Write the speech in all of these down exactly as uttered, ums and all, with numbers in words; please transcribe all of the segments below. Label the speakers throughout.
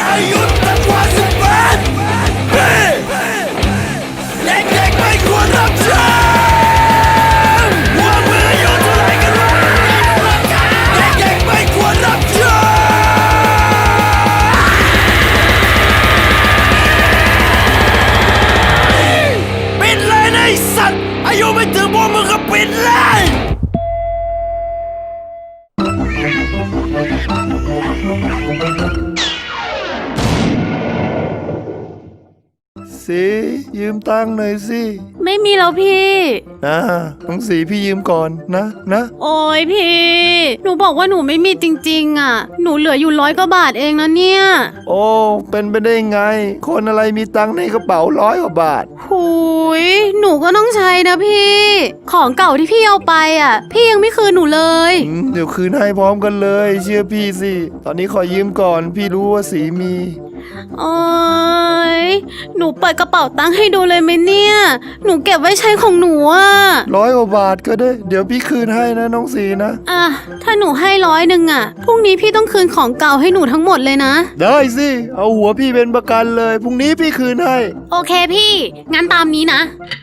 Speaker 1: อายุต่ำกว่าสิบแปดปีเด็กๆไม่ควรรับใช้ว่ามึงอายุเท่าไรกันวะเด็กๆไม่ควรรับใช้ปิดเลยนะไอ้สัตว์อายุไม่ถึงพวกมึงก็ปิดเลย
Speaker 2: สียืมตังค์หน่อยสิ
Speaker 3: ไม่มีแล้วพี่
Speaker 2: นะต้องสีพี่ยืมก่อนนะนะ
Speaker 3: โอ้ยพี่หนูบอกว่าหนูไม่มีจริงๆอ่ะหนูเหลืออยู่ร้อยกว่าบาทเองนะเนี่ย
Speaker 2: โอ้เป็นไปได้ไงคนอะไรมีตังค์ในกระเป๋าร้อยกว่าบาท
Speaker 3: หุยหนูก็ต้องใช้นะพี่ของเก่าที่พี่เอาไปอ่ะพี่ยังไม่คืนหนูเลย
Speaker 2: เดี๋ยวคืนให้พร้อมกันเลยเชื่อพี่สิตอนนี้ขอยืมก่อนพี่รู้ว่าสีมี
Speaker 3: โอ้ยหนูเปิดกระเป๋าตังค์ให้ดูเลยไหมเนี่ยหนูเก็บไว้ใช้ของหนูอ่ะ
Speaker 2: ร้อยกว่าบาทก็ได้เดี๋ยวพี่คืนให้นะน้องสีนะ
Speaker 3: อ่ะถ้าหนูให้ร้อยหนึ่งอ่ะพรุ่งนี้พี่ต้องคืนของเก่าให้หนูทั้งหมดเลยนะ
Speaker 2: ได้สิเอาหัวพี่เป็นประกันเลยพรุ่งนี้พี่คืนให้
Speaker 3: โอเคพี่งั้นตามนี้นะ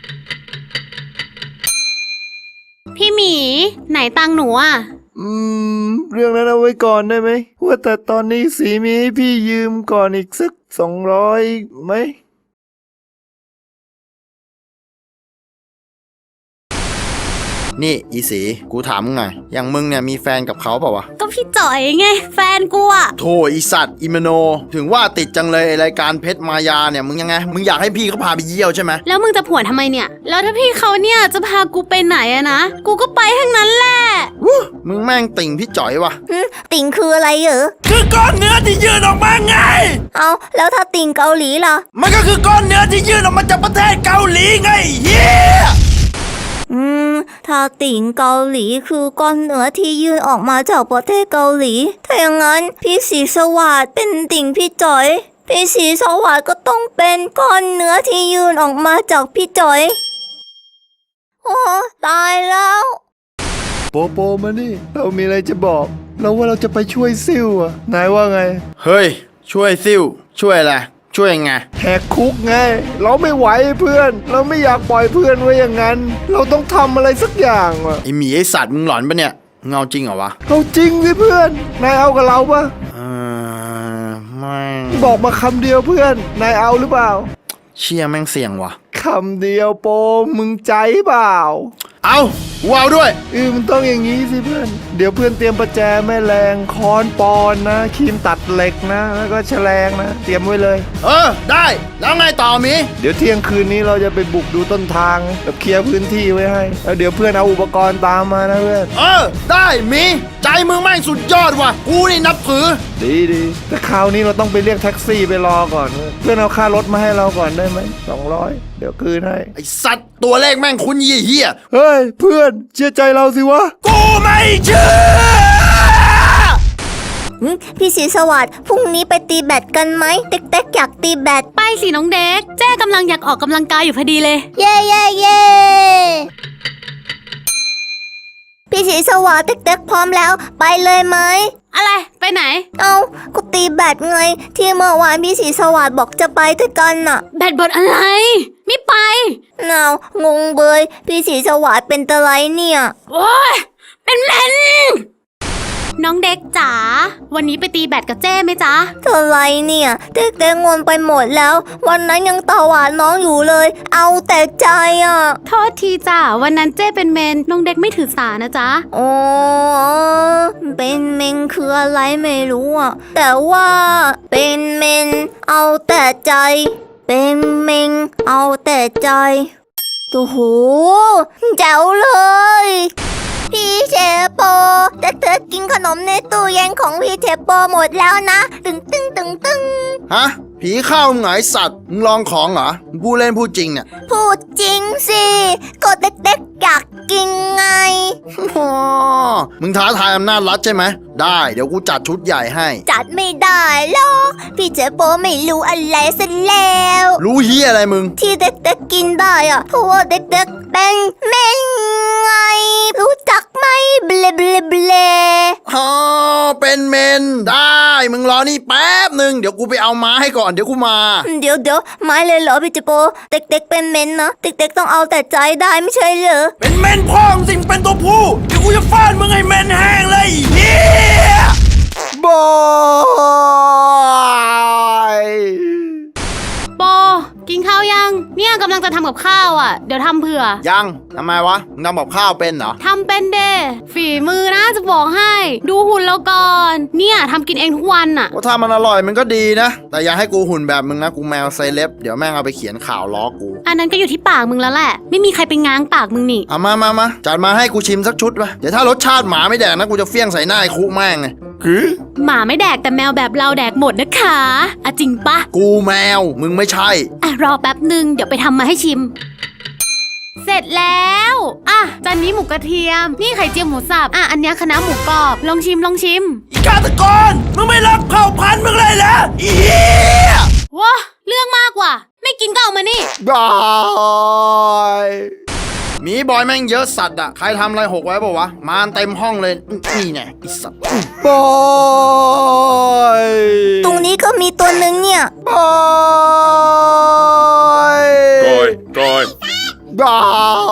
Speaker 3: พี่หมีไหนตังค์หนูอ่ะ
Speaker 2: อืมเรื่องนั้นเอาไว้ก่อนได้ไหมว่าแต่ตอนนี้สีมีให้พี่ยืมก่อนอีกสักสองร้อยไหม
Speaker 4: นี่อีสีกูถามมึงหน่อยอย่างมึงเนี่ยมีแฟนกับเขาเปล่าวะ
Speaker 3: ก็พี่จ่อยไงแฟนกูอะ
Speaker 4: โธ่อีสัตว์อีมโนถึงว่าติดจังเลยรายการเพชรมายาเนี่ยมึงยังไงมึงอยากให้พี่เขาพาไปเยี่ยวใช่ไหม
Speaker 3: แล้วมึงจะผวนทำไมเนี่ยแล้วถ้าพี่เขาเนี่ยจะพากูไปไหนอะนะกูก็ไปทั้งนั้นแหละ
Speaker 4: มึงแม่งติ่งพี่จ่อยวะ
Speaker 5: ติ่งคืออะไรเหรอ
Speaker 1: คือก้อนเนื้อที่ยื่นออกมาไง
Speaker 5: เอาแล้วถ้าติ่งเกาหลีล่ะ
Speaker 1: มันก็คือก้อนเนื้อที่ยื่นออกมาจากประเทศเกาหลีไงเฮีย
Speaker 5: อืมถ้าติ่งเกาหลีคือก้อนเนื้อที่ยื่นออกมาจากประเทศเกาหลีถ้าอย่างนั้นพี่สีสวัสดิ์เป็นติ่งพี่จ๋อยพี่สีสวัสดิ์ก็ต้องเป็นก้อนเนื้อที่ยื่นออกมาจากพี่จ๋อยโอ้ตายแล้ว
Speaker 2: โปโปมานี่เรามีอะไรจะบอกเราว่าเราจะไปช่วยซิ่วอะนายว่าไง
Speaker 4: เฮ้ยช่วยซิ่วช่วยอะไรช่วยไง
Speaker 2: แหกคุกไงเราไม่ไหวเพื่อนเราไม่อยากปล่อยเพื่อนไว้อย่างนั้นเราต้องทำอะไรสักอย่างว่ะ
Speaker 4: ไอหมีไอสัตว์มึงหลอนปะเนี่ยเงาจริงเหรอวะ
Speaker 2: เอาจริงสิเพื่อนนายเอากับเราปะ
Speaker 4: เออไม่
Speaker 2: บอกมาคำเดียวเพื่อนนายเอาหรือเปล่า
Speaker 4: เชี่ยแม่งเสี่ยงว่ะ
Speaker 2: คำเดียวโปมึงใจเปล่า
Speaker 4: เอาว้าวด้วย
Speaker 2: เออมันต้องอย่างนี้สิเพื่อนเดี๋ยวเพื่อนเตรียมประแจแม่แรงค้อนปอนนะครีมตัดเหล็กนะแล้วก็แฉลงนะเตรียมไว้เลย
Speaker 4: เออได้แล้วไงต่อมี
Speaker 2: เดี๋ยวเที่ยงคืนนี้เราจะไปบุกดูต้นทางแบบเคลียร์พื้นที่ไว้ให้แล้วเดี๋ยวเพื่อนเอาอุปกรณ์ตามมานะเพื่อน
Speaker 4: เออได้มีใจมึงแม่งสุดยอดว่ะกูนี่นับถือ
Speaker 2: ดีดีแต่คราวนี้เราต้องไปเรียกแท็กซี่ไปรอก่อนเพื่อนเอาค่ารถมาให้เราก่อนได้ไหมสองร้อยเดี๋ยวคืนให้
Speaker 4: ไอสัตว์ตัวเลขแม่งคุ้นเหี้ย
Speaker 2: เฮ้ยเพื่อนเชื่อใจเราสิวะ
Speaker 1: กูไม่เชื่อ
Speaker 5: พี่สีสวัสดิ์พรุ่งนี้ไปตีแบดกันไหมเด็กๆอยากตีแบด
Speaker 3: ไปสิน้องเด็กแจ้กำลังอยากออกกำลังกายอยู่พอดีเลย
Speaker 5: เย่เย่เย่พี่สีสวัสดิ์เด็กๆพร้อมแล้วไปเลยไหม
Speaker 3: อะไรไปไหน
Speaker 5: เอาก็ตีแบดไงที่เมื่อวานพี่สีสวัสดิ์บอกจะไปด้วยกันน่ะ
Speaker 3: แบดบอลอะไรไม่ไป
Speaker 5: นาวงงเบยพี่สีสวัสดิ์เป็นตะไลเนี่ย
Speaker 3: โอ้ยเป็นแมนน้องเด็กจ๋าวันนี้ไปตีแบดกับเจ้ไหมจ๊ะ
Speaker 5: ตะไลเนี่ยเด็กๆงงไปหมดแล้ววันนั้นยังตาหวานน้องอยู่เลยเอาแต่ใจอ่ะ
Speaker 3: โทษทีจ้ะวันนั้นเจ้เป็นเมนน้องเด็กไม่ถือสานะจ๊ะ
Speaker 5: โอ้เป็นเมนคืออะไรไม่รู้อ่ะแต่ว่าเป็นเมนเอาแต่ใจเป็นเมนเอาแต่ใจโอ้โหเจ๋วเลยพี่เชโปแต่เธอกินขนมในตู้เย็นของพี่เชโปหมดแล้วนะตึงตึงตึงตึง
Speaker 4: ฮะผีเข้ามึงไงสัตว์มึงลองของเหรอมึงพูดเล่นพูดจริงเนี่ย
Speaker 5: พูดจริงสิก็เด็กๆอยากกินไง
Speaker 4: มึงท้าทายอำนาจรัฐใช่ไหมได้เดี๋ยวกูจัดชุดใหญ่ให้
Speaker 5: จัดไม่ได้หรอกพี่เจโปไม่รู้อะไรซะแล้ว
Speaker 4: รู้เฮียอะไรมึง
Speaker 5: ที่เด็กๆกินได้อะเพราะว่าเด็กๆเป็นเมนไงรู้จักไหมเบลเบลเบล
Speaker 4: อ๋อเป็นเมนได้มึงรอนี่แป๊บหนึ่งเดี๋ยวกูไปเอาไม้ให้ก่อนเดี๋ยวกูมา
Speaker 5: เดี๋ยวเดี๋ยวไม่เลยเหรอพี่จิโปเด็กๆเป็นเมนนะเด็กๆต้องเอาแต่ใจได้ไม่ใช่เหรอ
Speaker 1: เป็นเมนพ่องสิงเป็นตัวผู้เดี๋ยวกูจะฟาดมึงให้เมนแห้งเลยเฮีย
Speaker 2: บอย
Speaker 3: โปกินข้าวยังเนี่ยกำลังจะทำกับข้าวอ่ะเดี๋ยวทำเผื่อ
Speaker 4: ยังทำไมวะมึงทำกับข้าวเป็นเหรอ
Speaker 3: ทำเป็นเดฝีมือนะจะบอกให้ ดูหุ่นเราก่อน เนี่ยทำกินเองทุกวันอ่ะ
Speaker 4: ก็ถ้ามันอร่อยมันก็ดีนะแต่อย่าให้กูหุ่นแบบมึงนะกูแมวไซเล็บเดี๋ยวแม่งเอาไปเขียนข่าวล้อกู
Speaker 3: อันนั้นก็อยู่ที่ปากมึงแล้วแหละ ไม่มีใครไปง้างปากมึงนี่
Speaker 4: เอามามามาจัดมาให้กูชิมสักชุดวะเดี๋ยวถ้ารสชาติหมาไม่แดกนะกูจะเฟี้ยงใส่หน้าไอ้คุแม่งไง
Speaker 2: คือ
Speaker 3: หมาไม่แดกแต่แมวแบบเราแดกหมดนะคะอะจริงปะ
Speaker 4: กูแมวมึงไม่ใช่
Speaker 3: อ่ะรอแป๊บหนึ่งเดี๋ยวไปทำมาให้ชิม เสร็จแล้วอ่ะจานนี้หมูกระเทียม นี่ไข่เจียวหมูสับอ่ะอันเนี้ยคะน้าหมูกรอบลองชิมลองชิม
Speaker 1: อีกาตะกอนมึงไม่รับข้าวพันมึงเลยเหรอเฮีย
Speaker 3: ว้าเรื่องมากว่ะไม่กินก็เอามานี่
Speaker 2: บอย
Speaker 4: หมีบอยแม่งเยอะสัตว์อะใครทำอะไรหกไว้ป่าวะมาเต็มห้องเลยนี่ไงไอสัตว์
Speaker 2: บอย
Speaker 5: ตรงนี้ก็มีตัวหนึ่งเนี่ย
Speaker 2: บอย
Speaker 6: ก้อยก้อย
Speaker 2: บอย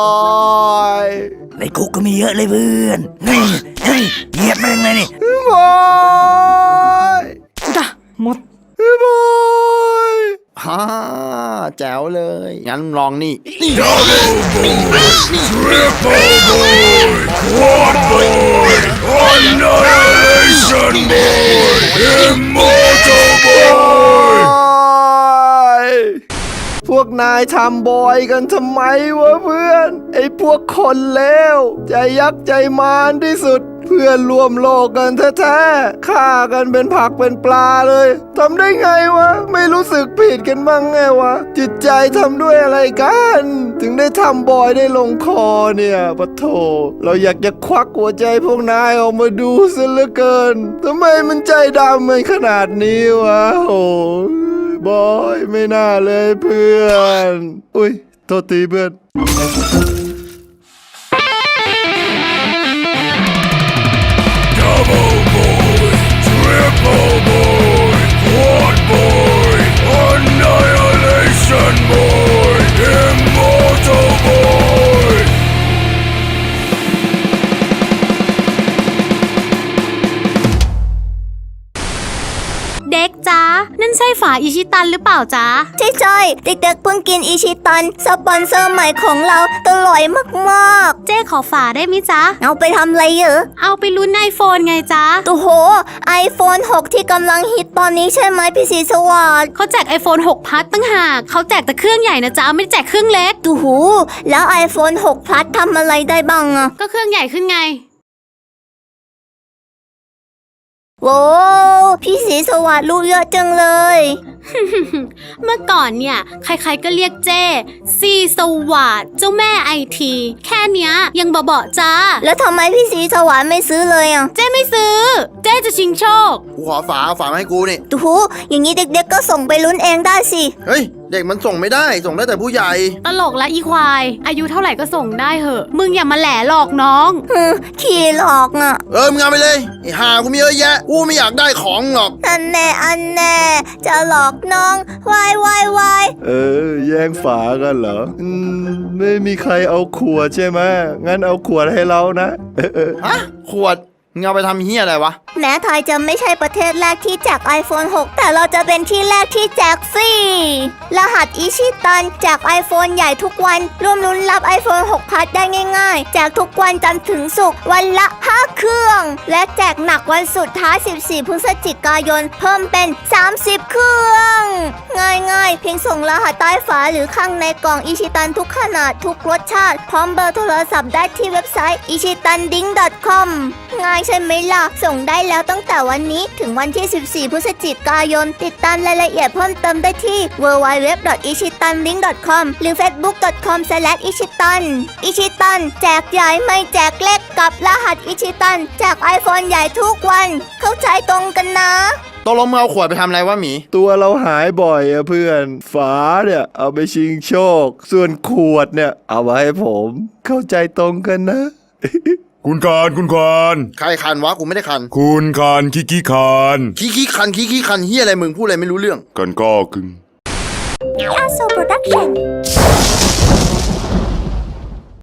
Speaker 1: ในคุกก็มีเยอะเลยเพื่อนนี่นี่เหยียบแม่งเลยนี่
Speaker 2: บอยจ้ะหมดบอย
Speaker 4: ฮ่าแจ๋วเลยงั้นลองนี่
Speaker 6: Annihilation Boy Immortal Boy
Speaker 2: พวกนายทำบอยกันทำไมวะเพื่อน ไอ้พวกคนเลวใจยักษ์ใจมารที่สุด เพื่อนร่วมโลกกันแท้ๆฆ่ากันเป็นผักเป็นปลาเลยทำได้ไงวะ ไม่รู้สึกผิดกันบ้างไงวะ จิตใจทำด้วยอะไรกัน ถึงได้ทำบอยได้ลงคอเนี่ยปะโถเราอยากจะควักหัวใจพวกนายออกมาดูซะเหลือเกินทำไมมันใจดำมันขนาดนี้วะโอ้บอยไม่น่าเลยเพื่อน อุ้ยโทษทีเพื่อน
Speaker 6: Double Boy Triple Boy Quad Boy Annihilation Boy Immortal Boy
Speaker 3: เด็กจ้านั่นใช่ฝาอิชิตันหรือเปล่าจ้า
Speaker 5: ใช่ใช่ๆเด็กๆเพิ่งกินอิชิตันสปอนเซอร์ใหม่ของเราอร่อยมาก
Speaker 3: เจ๊ขอฝาได้ไหมจ๊ะ
Speaker 5: ๆ เอาไปทำอะไรเหรอ
Speaker 3: เอาไปลุ้นไอโฟนไงจ๊ะ
Speaker 5: โอ้โห ไอโฟน หก ที่กำลังฮิตตอนนี้ใช่ไหมพี่สีสวัสดิ์
Speaker 3: เขาแจก iPhone หก Plus ตั้งหากเขาแจกแต่เครื่องใหญ่นะจ๊ะไม่ได้แจกเครื่องเล็ก
Speaker 5: ดูหูแล้ว ไอโฟน หก Plus ทำอะไรได้บ้างอะ
Speaker 3: ก็เครื่องใหญ่ขึ้นไง
Speaker 5: โว้พี่สีสวัสดิ์รู้เยอะจังเลย
Speaker 3: เมื่อก่อนเนี่ย ใครๆก็เรียกเจ้ซีสวัสดเจ้าแม่ไอที แค่เนี้ยยังเบาๆจ้า
Speaker 5: แล้วทำไมพี่สีสวัสดิ์ไม่ซื้อเลยอะ
Speaker 3: เจ้ไม่ซื้อ เจ้จะชิงโชค
Speaker 4: กูขอฝาเอาฝามาให้กูนี่
Speaker 5: ดูหูอย่างนี้เด็กๆก็ส่งไปลุ้นเองได้สิ
Speaker 4: เฮ้ยเด็กมันส่งไม่ได้ส่งได้แต่ผู้ใหญ่
Speaker 3: ตลกและอีควาย อายุเท่าไหร่ก็ส่งได้เหอะ มึงอย่ามาแหล่หลอกน้อง
Speaker 5: ฮึขี้หลอกอะ
Speaker 4: เออมึงเอาไปเลยไอ้ห่ากูมีเยอะแยะกูไม่อยากได้ของหรอก
Speaker 5: อันแน่อันแน่จะหลอกน้องวายวายวาย
Speaker 2: เออ แย่งฝากันเหรอ อืม ไม่มีใครเอาขวดใช่ไหมงั้นเอาขวดให้เรานะ เออเออ
Speaker 4: ฮะขวดมึงเอาไปทำเฮียอะไรวะ
Speaker 5: แม้ไทยจะไม่ใช่ประเทศแรกที่แจก ไอโฟน หก แต่เราจะเป็นที่แรกที่แจกฟรี รหัสอิชิตันแจก iPhone ใหญ่ทุกวันร่วมลุ้นรับ ไอโฟน หก Plus ได้ง่ายๆ แจกทุกวันจันทร์ถึงศุกร์วันละห้าเครื่อง และแจกหนักวันสุดท้าย สิบสี่ พฤศจิกายน เพิ่มเป็น สามสิบ เครื่อง ง่ายๆ เพียงส่งรหัสใต้ฝาหรือข้างในกล่องอิชิตันทุกขนาดทุกรสชาติ พร้อมเบอร์โทรศัพท์ได้ที่เว็บไซต์ อิชิตันดิ้ง ดอท คอม ง่ายใช่ไหมล่ะ ส่งได้แล้วตั้งแต่วันนี้ถึงวันที่ สิบสี่ พฤศจิกายน ติดตามรายละเอียดเพิ่มเติมได้ที่ ดับเบิลยู ดับเบิลยู ดับเบิลยู ดอท อิชิตันดิ้ง ดอท คอม หรือ เฟซบุ๊ก ดอท คอม สแลช อิชิตัน อิชิตันแจกใหญ่ไม่แจกเล็กกับรหัสอิชิตันแจก iPhone ใหญ่ทุกวัน เข้าใจตรงกันนะ
Speaker 4: ตกลงมึงเอาขวดไปทำอะไรวะหมี
Speaker 2: ตัวเราหายบ่อยอะเพื่อน ฝาเนี่ยเอาไปชิงโชค ส่วนขวดเนี่ยเอาไว้ให้ผม เข้าใจตรงกันนะ
Speaker 6: คุณคานคุณคาน
Speaker 4: ใครคันวะกูไม่ได้คัน
Speaker 6: คุณคานคิกิคาน
Speaker 4: ขี้ขี้คันขี้ขี้คันเฮียอะไรมึงพูดอะไรไม่รู้เรื่อง
Speaker 6: กันก็กึ่ง
Speaker 5: Aso Production